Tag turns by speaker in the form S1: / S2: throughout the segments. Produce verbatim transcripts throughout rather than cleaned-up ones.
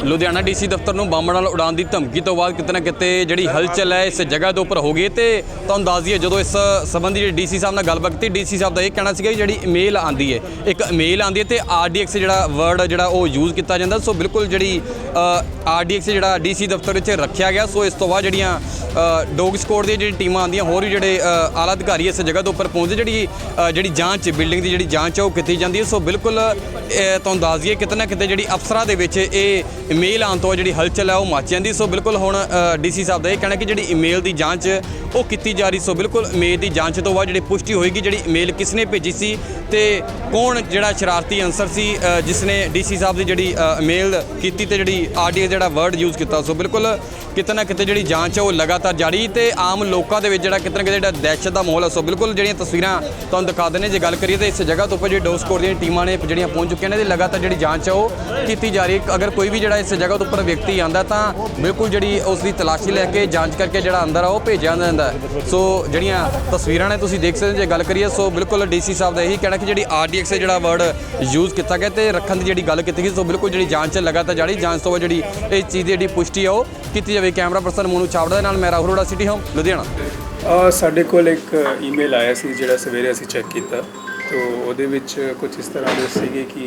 S1: Ludhiana DC ਦਫ਼ਤਰ ਨੂੰ bomb ਨਾਲ ਉਡਾਉਣ ਦੀ ਧਮਕੀ ਤੋਂ ਬਾਅਦ ਕਿਤੇ ਨਾ ਕਿਤੇ ਜਿਹੜੀ ਹਲਚਲ ਹੈ ਇਸ ਜਗ੍ਹਾ ਦੇ ਉੱਪਰ ਹੋ ਗਈ ਤੇ ਤੁਹਾਨੂੰ ਦੱਸ ਦਈਏ ਜਦੋਂ ਇਸ ਸੰਬੰਧੀ ਜਿਹੜੀ ਡੀਸੀ ਸਾਹਿਬ ਨਾਲ ਗੱਲਬਾਤ ਕੀਤੀ ਡੀਸੀ ਸਾਹਿਬ ਦਾ ਇਹ ਕਹਿਣਾ ਸੀਗਾ ਕਿ ਜਿਹੜੀ ਈਮੇਲ ਆਂਦੀ ਹੈ ਇੱਕ ਈਮੇਲ ਆਂਦੀ ਹੈ ਤੇ ਆਰਡੀਐਕਸ ਜਿਹੜਾ ਵਰਡ ਜਿਹੜਾ ਉਹ ਯੂਜ਼ ਕੀਤਾ ਜਾਂਦਾ। ਸੋ ਬਿਲਕੁਲ ਜਿਹੜੀ ਆਰਡੀਐਕਸ ਜਿਹੜਾ ਡੀਸੀ ਦਫ਼ਤਰ ਵਿੱਚ ਰੱਖਿਆ ਗਿਆ। ਸੋ ਇਸ ਤੋਂ ਬਾਅਦ ਜਿਹੜੀਆਂ ਡੋਗ ਸਕੁਆਡ ਦੀਆਂ ਜਿਹੜੀ ਟੀਮਾਂ ਆਉਂਦੀਆਂ ਹੋਰ ਵੀ ਜਿਹੜੇ ਆਲਾ ਅਧਿਕਾਰੀ ਇਸ ਜਗ੍ਹਾ ਦੇ ਉੱਪਰ ਪਹੁੰਚਦੇ ਜਿਹੜੀ ਜਿਹੜੀ ਜਾਂਚ ਬਿਲਡਿੰਗ ਦੀ ਜਿਹੜੀ ਜਾਂਚ ਹੈ ਉਹ ਕੀਤੀ ਜਾਂਦੀ ਹੈ। ਸੋ ਬਿਲਕੁਲ ਤੁਹਾਨੂੰ ਦੱਸ ਦਈਏ ਕਿਤੇ ਨਾ ਕਿਤੇ ਜਿਹੜੀ ਅਫਸਰਾਂ ਦੇ ਵਿੱਚ ਇਹ ਈਮੇਲ ਆਉਣ ਤੋਂ ਜਿਹੜੀ ਹਲਚਲ ਹੈ ਉਹ ਮੱਚ ਜਾਂਦੀ। ਸੋ ਬਿਲਕੁਲ ਹੁਣ ਡੀਸੀ ਸਾਹਿਬ ਦਾ ਇਹ ਕਹਿਣਾ ਕਿ ਜਿਹੜੀ ਈਮੇਲ ਦੀ ਜਾਂਚ ਉਹ ਕੀਤੀ ਜਾ ਰਹੀ। ਸੋ ਬਿਲਕੁਲ ਈਮੇਲ ਦੀ ਜਾਂਚ ਤੋਂ ਬਾਅਦ ਜਿਹੜੀ ਪੁਸ਼ਟੀ ਹੋਏਗੀ ਜਿਹੜੀ ਈਮੇਲ ਕਿਸ ਨੇ ਭੇਜੀ ਸੀ ਤੇ ਕੌਣ ਜਿਹੜਾ ਸ਼ਰਾਰਤੀ ਅਨਸਰ ਸੀ ਜਿਸ ਨੇ ਡੀਸੀ ਸਾਹਿਬ ਦੀ ਜਿਹੜੀ ਈਮੇਲ ਕੀਤੀ ਤੇ ਜਿਹੜੀ ਆਰਡੀਐਕਸ ਜਿਹੜਾ ਵਰਡ ਯੂਜ਼ ਕੀਤਾ। ਸੋ ਬਿਲਕੁਲ ਕਿਤੇ ਨਾ ਕਿਤੇ ਜਿਹੜੀ ਜਾਂਚ ਹੈ ਉਹ ਲਗਾਤਾਰ ਜਾਰੀ ਤੇ ਆਮ ਲੋਕਾਂ ਦੇ ਵਿੱਚ ਜਿਹੜਾ ਕਿਤੇ ਨਾ ਕਿਤੇ ਜਿਹੜਾ ਦਹਿਸ਼ਤ ਦਾ ਮਾਹੌਲ ਹੈ। ਸੋ ਬਿਲਕੁਲ ਜਿਹੜੀਆਂ ਤਸਵੀਰਾਂ ਤੁਹਾਨੂੰ ਦਿਖਾ ਦਿੰਦੇ ਜੇ ਗੱਲ ਕਰੀਏ ਤਾਂ ਇਸ ਜਗ੍ਹਾ ਤੋਂ ਉੱਪਰ ਜਿਹੜੀ ਡੋਗ ਸਕੁਆਡ ਦੀਆਂ ਟੀਮਾਂ ਨੇ ਜਿਹੜੀਆਂ ਪਹੁੰਚ ਚੁੱਕੀਆਂ ਨੇ ਤੇ ਲਗਾਤਾਰ ਜਿਹੜੀ ਜਾਂਚ ਹੈ ਉਹ ਕੀਤੀ ਜਾ ਰਹੀ ਹੈ। ਅਗਰ ਕੋਈ ਵੀ ਜਿਹੜਾ ਇਸ ਜਗ੍ਹਾ ਤੋਂ ਉੱਪਰ ਵਿਅਕਤੀ ਆਉਂਦਾ ਤਾਂ ਬਿਲਕੁਲ ਜਿਹੜੀ ਉਸ ਦੀ ਤਲਾਸ਼ੀ ਲੈ ਕੇ ਜਾਂਚ ਕਰਕੇ ਜਿਹੜਾ ਅੰਦਰ ਆ ਉਹ ਭੇਜਿਆ ਜਾਂਦਾ। ਸੋ ਜਿਹੜੀਆਂ ਤਸਵੀਰਾਂ ਨੇ ਤੁਸੀਂ ਦੇਖ ਸਕਦੇ ਜੇ ਗੱਲ ਕਰੀਏ। ਸੋ ਬਿਲਕੁਲ ਡੀਸੀ ਸਾਹਿਬ ਦਾ ਇਹੀ ਕਹਿਣਾ ਕਿ ਜਿਹੜੀ ਆਰਡੀਐਕਸ ਜਿਹੜਾ ਵਰਡ ਯੂਜ਼ ਕੀਤਾ ਗਿਆ ਤੇ ਰੱਖਣ ਦੀ ਜਿਹੜੀ ਗੱਲ ਕੀਤੀ ਗਈ। ਸੋ ਬਿਲਕੁਲ ਜਿਹੜੀ ਜਾਂਚ ਲਗਾਤਾਰ ਜਾਰੀ ਜਾਂਚ ਤੋਂ ਬਾਅਦ ਜਿਹੜੀ ਇਹ ਚੀਜ਼ ਦੀ ਜਿਹੜੀ ਪੁਸ਼ਟੀ ਆ ਉਹ ਕੀਤੀ ਜਾਵੇ। ਕੈਮਰਾ ਪਰਸਨ ਮੋਨੂ ਛਾਬੜਾ ਦੇ ਨਾਲ ਮੈਂ ਰਾਹੁਲ ਅਰੋੜਾ, ਸਿਟੀ ਹੋਮ, ਲੁਧਿਆਣਾ।
S2: ਸਾਡੇ ਕੋਲ ਇੱਕ ਈਮੇਲ ਆਇਆ ਸੀ ਜਿਹੜਾ ਸਵੇਰੇ ਅਸੀਂ ਚੈੱਕ ਕੀਤਾ ਤੋ ਉਹਦੇ ਵਿੱਚ ਕੁਝ ਇਸ ਤਰ੍ਹਾਂ ਦੇ ਸੀਗੇ ਕਿ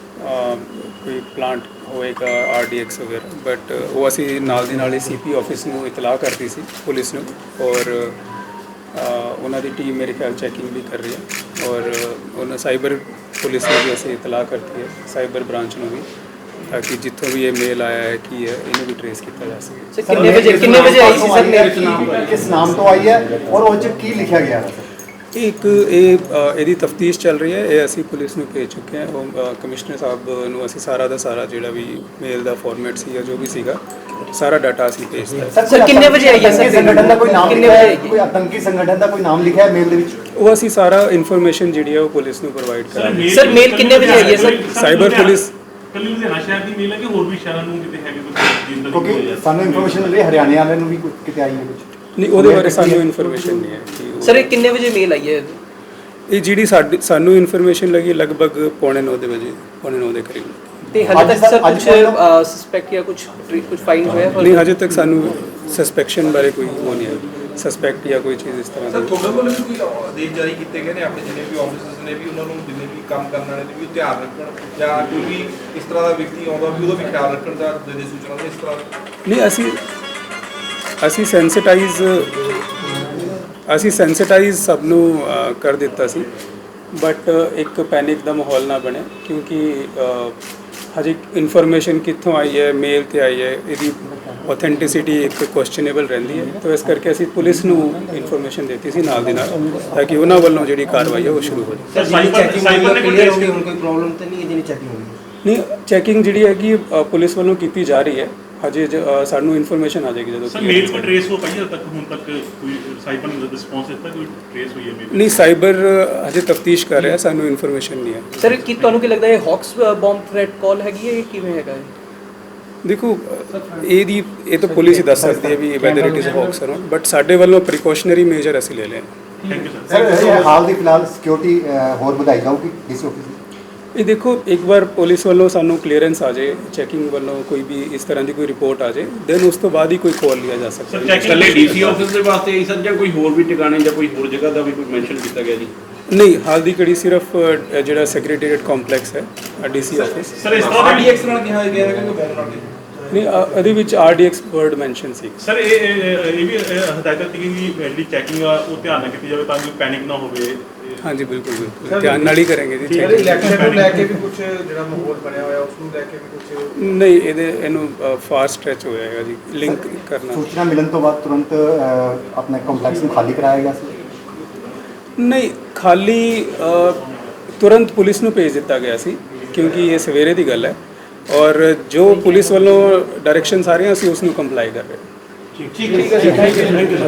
S2: ਕੋਈ ਪਲਾਂਟ ਹੋਏਗਾ ਆਰਡੀਐਕਸ ਵਗੈਰਾ, ਬਟ ਉਹ ਅਸੀਂ ਨਾਲ ਦੀ ਨਾਲ ਹੀ ਸੀਪੀ ਆਫਿਸ ਨੂੰ ਇਤਲਾਹ ਕਰਤੀ ਸੀ ਪੁਲਿਸ ਨੂੰ ਔਰ ਉਹਨਾਂ ਦੀ ਟੀਮ ਮੇਰੇ ਖਿਆਲ ਚੈਕਿੰਗ ਵੀ ਕਰ ਰਹੀ ਹੈ ਔਰ ਉਹਨਾਂ ਸਾਈਬਰ ਪੁਲਿਸ ਨੂੰ ਵੀ ਅਸੀਂ ਇਤਲਾਹ ਕਰਤੀ ਹੈ, ਸਾਈਬਰ ਬ੍ਰਾਂਚ ਨੂੰ ਵੀ, ताकि जितों भी ये मेल आया है कि है इन्हें भी ट्रेस किया जा सके।
S3: कितने बजे कितने बजे आई सी सर ने किस नाम तो आई है और ਉਹ ਚ ਕੀ ਲਿਖਿਆ ਗਿਆ ਹੈ?
S2: एक ਇਹ ਇਹਦੀ ਤਫਤੀਸ਼ ਚੱਲ ਰਹੀ ਹੈ। ਇਹ ਅਸੀਂ ਪੁਲਿਸ ਨੂੰ ਭੇਜ ਚੁੱਕੇ ਹਾਂ। ਉਹ ਕਮਿਸ਼ਨਰ ਸਾਹਿਬ ਨੂੰ ਅਸੀਂ ਸਾਰਾ ਦਾ ਸਾਰਾ ਜਿਹੜਾ ਵੀ ਮੇਲ ਦਾ ਫਾਰਮੈਟ ਸੀ ਜਾਂ ਜੋ ਵੀ ਸੀਗਾ ਸਾਰਾ ਡਾਟਾ ਅਸੀਂ ਭੇਜਤਾ।
S3: ਸਰ ਸਰ ਕਿੰਨੇ ਵਜੇ ਆਈ ਹੈ ਸਰ? ਸੰਗਠਨ ਦਾ ਕੋਈ ਨਾਮ ਲਿਖਿਆ ਹੈ? ਕੋਈ ਆਤੰਕੀ ਸੰਗਠਨ ਦਾ ਕੋਈ ਨਾਮ ਲਿਖਿਆ ਹੈ ਮੇਲ ਦੇ ਵਿੱਚ?
S2: ਉਹ ਅਸੀਂ ਸਾਰਾ ਇਨਫੋਰਮੇਸ਼ਨ ਜਿਹੜੀ ਹੈ ਉਹ ਪੁਲਿਸ ਨੂੰ ਪ੍ਰੋਵਾਈਡ ਕਰਾਂਗੇ।
S3: ਸਰ ਮੇਲ ਕਿੰਨੇ ਵਜੇ ਆਈ ਹੈ ਸਰ?
S2: ਸਾਈਬਰ ਪੁਲਿਸ
S4: ਕੱਲੀ ਲੁਧਿਆਣਾ ਸ਼ਹਿਰ ਦੀ ਮੇਲ ਹੈ ਕਿ ਹੋਰ ਵੀ ਸ਼ਹਿਰਾਂ ਨੂੰ ਕਿਤੇ ਹੈਗੇ ਕੁਝ?
S3: ਕਿਉਂਕਿ ਸਾਨੂੰ ਇਨਫੋਰਮੇਸ਼ਨ ਮਿਲੀ ਹਰਿਆਣੇ ਵਾਲਿਆਂ ਨੂੰ ਵੀ ਕਿਤੇ ਆਈ ਹੈ ਕੁਝ?
S2: ਨਹੀਂ, ਉਹਦੇ ਬਾਰੇ ਸਾਨੂੰ ਇਨਫੋਰਮੇਸ਼ਨ ਨਹੀਂ ਹੈ।
S3: ਸਰ ਇਹ ਕਿੰਨੇ ਵਜੇ ਮੇਲ ਆਈ ਹੈ?
S2: ਇਹ ਜਿਹੜੀ ਸਾਡੀ ਸਾਨੂੰ ਇਨਫੋਰਮੇਸ਼ਨ ਲੱਗੀ ਲਗਭਗ ਪੌਣੇ ਨੌ ਦੇ ਵਜੇ ਪੌਣੇ ਨੌ ਦੇ ਕਰੀਬ।
S3: ਤੇ ਹਜੇ ਤੱਕ ਸਰ ਕੁਝ ਸਸਪੈਕਟ ਜਾਂ ਕੁਝ ਕੁਝ ਫਾਈਨ ਹੋਇਆ?
S2: ਨਹੀਂ, ਹਜੇ ਤੱਕ ਸਾਨੂੰ ਸਸਪੈਕਸ਼ਨ ਬਾਰੇ ਕੋਈ ਉਹ ਨਹੀਂ ਹੈ ਸਸਪੈਕਟ ਜਾਂ ਕੋਈ ਚੀਜ਼ ਇਸ ਤਰ੍ਹਾਂ
S5: ਸਰ
S2: ਦੀ।
S5: ਤੁਹਾਡੇ ਵੱਲੋਂ ਵੀ ਕੋਈ ਆਦੇਸ਼ ਜਾਰੀ ਕੀਤੇ ਗਏ ਨੇ ਆਪਣੇ ਜਿੰਨੇ ਵੀ ਆਫਿਸਰਸ ਨੇ ਵੀ ਉਹਨਾਂ ਨੂੰ ਜਿੰਨੇ ਵੀ ਕੰਮ ਕਰਨ ਵਾਲੇ ਨੇ ਵੀ ਧਿਆਨ ਰੱਖਣ ਜਾਂ ਕੋਈ ਵੀ ਇਸ ਤਰ੍ਹਾਂ ਦਾ ਵਿਅਕਤੀ ਆਉਂਦਾ ਵੀ ਉਹਦਾ ਵੀ ਖਿਆਲ ਰੱਖਣ ਦਾ ਦੇ ਦੇ ਸੂਚਨਾ ਦੇ ਇਸ ਤਰ੍ਹਾਂ?
S2: ਨਹੀਂ, ਅਸੀਂ ਅਸੀਂ ਸੈਂਸਿਟਾਈਜ਼ ਅਸੀਂ ਸੈਂਸਿਟਾਈਜ਼ ਸਭ ਨੂੰ ਕਰ ਦਿੱਤਾ ਸੀ, ਬਟ ਇੱਕ ਪੈਨਿਕ ਦਾ ਮਾਹੌਲ ਨਾ ਬਣੇ ਕਿਉਂਕਿ ਹਜੇ ਇਨਫੋਰਮੇਸ਼ਨ ਕਿੱਥੋਂ ਆਈ ਹੈ, ਮੇਲ ਤੇ ਆਈ ਹੈ, ਇਹਦੀ ਆਥੈਂਟਿਸਿਟੀ ਇੱਕ ਕੁਐਸਚਨੇਬਲ ਰਹਿੰਦੀ ਹੈ। ਤਾਂ ਇਸ ਕਰਕੇ ਅਸੀਂ ਪੁਲਿਸ ਨੂੰ ਇਨਫੋਰਮੇਸ਼ਨ ਦਿੱਤੀ ਸੀ ਨਾਲ ਦੀ ਨਾਲ ਤਾਂ ਕਿ ਉਹਨਾਂ ਵੱਲੋਂ ਜਿਹੜੀ ਕਾਰਵਾਈ ਹੈ ਉਹ ਸ਼ੁਰੂ ਹੋ ਜਾਵੇ।
S4: ਸਰ ਸਾਈਬਰ ਸਾਈਬਰ ਨੇ ਕੋਈ
S3: ਹੁਣ ਕੋਈ ਪ੍ਰੋਬਲਮ ਤਾਂ ਨਹੀਂ ਹੈ ਜਿਹਨੇ ਚੈਕਿੰਗ ਹੋਈ?
S2: ਨਹੀਂ, ਚੈਕਿੰਗ ਜਿਹੜੀ ਹੈਗੀ ਪੁਲਿਸ ਵੱਲੋਂ ਕੀਤੀ ਜਾ ਰਹੀ ਹੈ। ਹਜੇ ਸਾਨੂੰ ਇਨਫੋਰਮੇਸ਼ਨ ਆ ਜਾਏਗੀ ਜਦੋਂ।
S4: ਸਰ ਮੇਲ ਕੋ ਟ੍ਰੇਸ ਹੋ ਪਾਈ ਤੱਕ ਹੁਣ ਤੱਕ ਕੋਈ ਸਾਈਬਰ ਨੇ ਰਿਸਪੌਂਸ ਦਿੱਤਾ ਕੋਈ ਟ੍ਰੇਸ ਹੋਈ ਹੈ ਮੇਲ?
S2: ਨਹੀਂ, ਸਾਈਬਰ ਹਜੇ ਤਫਤੀਸ਼ ਕਰ ਰਿਹਾ, ਸਾਨੂੰ ਇਨਫੋਰਮੇਸ਼ਨ ਨਹੀਂ ਹੈ।
S3: ਸਰ ਕੀ ਤੁਹਾਨੂੰ ਕੀ ਲੱਗਦਾ ਹੈ ਹੌਕਸ ਬੰਬ ਥ੍ਰੈਟ ਕਾਲ ਹੈਗੀ ਹੈ ਜਾਂ ਕਿਵੇਂ ਹੈਗਾ ਹੈ?
S2: ਦੇਖੋ, ਇਹਦੀ ਇਹ ਤਾਂ ਪੁਲਿਸ ਹੀ ਦੱਸ ਸਕਦੀ ਹੈ ਵੀ whether it is hoax or not, but ਸਾਡੇ ਵੱਲੋਂ ਪ੍ਰੀਕਾਸ਼ਨਰੀ ਮੇਜਰ ਅਸੀਂ ਲੈ ਲਏ।
S4: Thank you sir.
S6: ਸਰ ਹਾਲ ਦੀ ਫਿਲਹਾਲ ਸਿਕਿਉਰਿਟੀ ਹੋਰ ਵਧਾਈ ਜਾਊਗੀ ਇਸ ਆਫਿਸ ਦੀ?
S2: ਇਹ ਦੇਖੋ, ਇੱਕ ਵਾਰ ਪੁਲਿਸ ਵੱਲੋਂ ਸਾਨੂੰ ਕਲੀਅਰੈਂਸ ਆ ਜਾਏ, ਚੈਕਿੰਗ ਵੱਲੋਂ ਕੋਈ ਵੀ ਇਸ ਤਰ੍ਹਾਂ ਦੀ ਕੋਈ ਰਿਪੋਰਟ ਆ ਜਾਏ, ਦੈਨ ਉਸ ਤੋਂ ਬਾਅਦ ਹੀ ਕੋਈ ਕਾਲ ਲਿਆ ਜਾ ਸਕਦਾ ਹੈ।
S7: ਇਕੱਲੇ ਡੀਸੀ ਆਫਿਸ ਦੇ ਵਾਸਤੇ ਆਈ ਸਰ ਜਾਂ ਕੋਈ ਹੋਰ ਵੀ ਟਿਕਾਣੇ ਜਾਂ ਕੋਈ ਹੋਰ ਜਗ੍ਹਾ ਦਾ ਵੀ ਕੋਈ ਮੈਂਸ਼ਨ ਕੀਤਾ ਗਿਆ ਜੀ?
S2: ਨਹੀਂ, ਹਾਲ ਦੀ ਘੜੀ ਸਿਰਫ ਜਿਹੜਾ ਸੈਕਟਰੀਏਟ ਕੰਪਲੈਕਸ ਹੈ ਡੀਸੀ ਆਫਿਸ।
S4: ਸਰ ਇਸ ਤਰ੍ਹਾਂ ਦੀ
S5: ਆਰਡੀਐਕਸ ਨਾਲ ਕਿਹਾ ਗਿਆ ਹੈ ਕਿ ਬੈਨ ਨਾਲ
S2: ਨਹੀਂ, ਇਹਦੇ ਵਿੱਚ ਆਰਡੀਐਕਸ ਵਰਡ ਮੈਂਸ਼ਨ ਸੀ।
S4: ਸਰ ਇਹ ਇਹ ਵੀ ਹਦਾਇਤ ਕੀਤੀ ਗਈ ਕਿ ਜਿਹੜੀ ਚੈਕਿੰਗ ਆ ਉਹ ਧਿਆਨ ਨਾਲ ਕੀਤੀ ਜਾਵੇ ਤਾਂ ਕਿ ਪੈਨਿਕ ਨਾ ਹੋਵੇ।
S2: ਹਾਂਜੀ, ਬਿਲਕੁਲ ਬਿਲਕੁਲ ਧਿਆਨ ਨਾਲ ਹੀ ਕਰਾਂਗੇ ਜੀ।
S5: ਸਰ ਇਲੈਕਸ਼ਨ ਨੂੰ ਲੈ ਕੇ ਵੀ ਕੁਝ ਜਿਹੜਾ ਮਾਹੌਲ ਬਣਿਆ ਹੋਇਆ ਉਸ ਨੂੰ ਲੈ ਕੇ ਵੀ ਕੁਝ?
S2: ਨਹੀਂ, ਇਹਦੇ ਇਹਨੂੰ ਫਾਸਟ ਸਟ੍ਰੈਚ ਹੋ ਜਾਏਗਾ ਜੀ ਲਿੰਕ ਕਰਨਾ।
S6: ਸੂਚਨਾ ਮਿਲਣ ਤੋਂ ਬਾਅਦ ਤੁਰੰਤ ਆਪਣੇ ਕੰਪਲੈਕਸ ਨੂੰ ਖਾਲੀ ਕਰਾਇਆ ਗਿਆ ਸੀ?
S2: ਨਹੀਂ, ਖਾਲੀ ਤੁਰੰਤ ਪੁਲਿਸ ਨੂੰ ਭੇਜ ਦਿੱਤਾ ਗਿਆ ਸੀ ਕਿਉਂਕਿ ਇਹ ਸਵੇਰੇ ਦੀ ਗੱਲ ਹੈ ਔਰ ਜੋ ਪੁਲਿਸ ਵੱਲੋਂ ਡਾਇਰੈਕਸ਼ਨਸ ਆ ਰਹੀਆਂ ਅਸੀਂ ਉਸ ਨੂੰ ਕੰਪਲਾਈ ਕਰ ਰਹੇ ਹਾਂ।
S5: ਠੀਕ ਹੈ ਜੀ, ਥੈਂਕ ਯੂ।